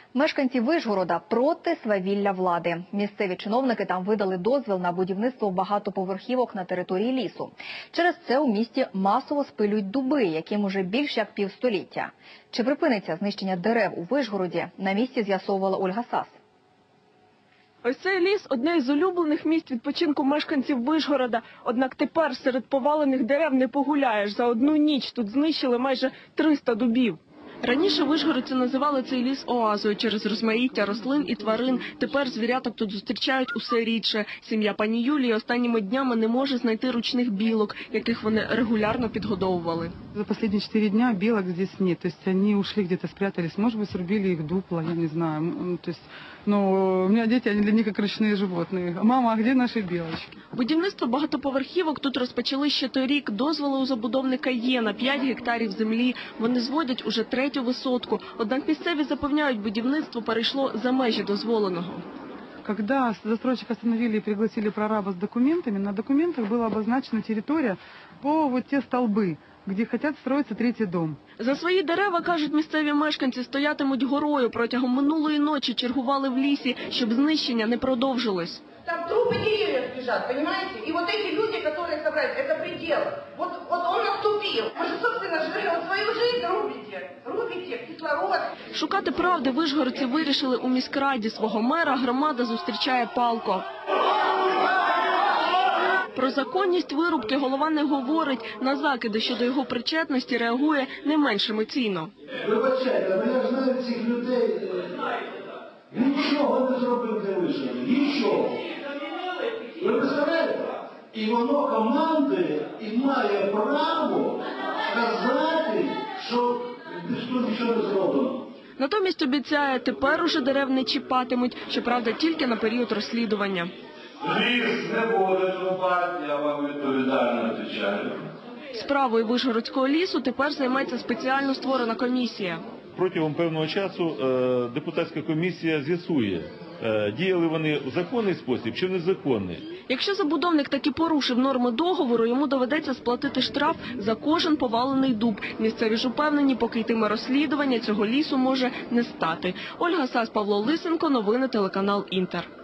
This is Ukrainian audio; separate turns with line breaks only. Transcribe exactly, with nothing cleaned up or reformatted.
Мешканці Вишгорода проти свавілля влади. Місцеві чиновники там видали дозвіл на будівництво багатоповерхівок на території лісу. Через це у місті масово спилюють дуби, яким уже більш як півстоліття. Чи припиниться знищення дерев у Вишгороді, на місці з'ясовувала Ольга Сас.
Ось цей ліс – одне із улюблених місць відпочинку мешканців Вишгорода. Однак тепер серед повалених дерев не погуляєш. За одну ніч тут знищили майже триста дубів. Раніше вишгородці називали цей ліс оазою через розмаїття рослин і тварин. Тепер звіряток тут зустрічають усе рідше. Сім'я пані Юлії останніми днями не може знайти ручних білок, яких вони регулярно підгодовували.
За останні чотири дня білок здесь нет. То есть они ушли где-то спрятались. Может быть, срубили их дупло, я не знаю. То есть, но у меня дети, они для них как ручные животные. Мама, а где наши белочки?
Будівництво багатоповерхівок тут розпочали ще торік. Дозволи у забудовника є на п'ять гектарів землі. Вони зводять уже третю висотку. Однак місцеві запевняють, будівництво перейшло за межі дозволеного.
Когда застройщик остановили и пригласили прораба с документами, на документах была обозначена территория по вот те столбы, где хотят строиться третий дом.
За свої дерева, кажуть місцеві мешканці, стоятимуть горою. Протягом минулої ночі чергували в лісі, щоб знищення не продовжилось.
Там трупы деревьев лежат, понимаете? И вот эти люди, которые собрались, это предел. Вот, вот он наступил. Вы же, собственно, живете, вот свою жизнь рубите. Рубите кислород.
Шукати правди вишгородці вирішили у міськраді. Свого мера громада зустрічає палко. Про законність вирубки голова не говорить. На закиди щодо його причетності реагує не менш емоційно.
Вибачайте, але я знаю цих людей. Нічого не зробив для Вишгорода. Нічого. Ви представляєте? І воно командує і має право сказати, що тут нічого не зроблено.
Натомість обіцяє, тепер уже дерев не чіпатимуть, щоправда, тільки на період розслідування.
Ліс не буде рубати, я вам відповідально відповідаю.
Справою Вишгородського лісу тепер займеться спеціально створена комісія.
Протягом певного часу депутатська комісія з'ясує, діяли вони в законний спосіб чи в незаконний.
Якщо забудовник таки порушив норми договору, йому доведеться сплатити штраф за кожен повалений дуб. Місцеві ж упевнені, поки йтиме розслідування, цього лісу може не стати. Ольга Сас, Павло Лисенко, новини телеканал Інтер.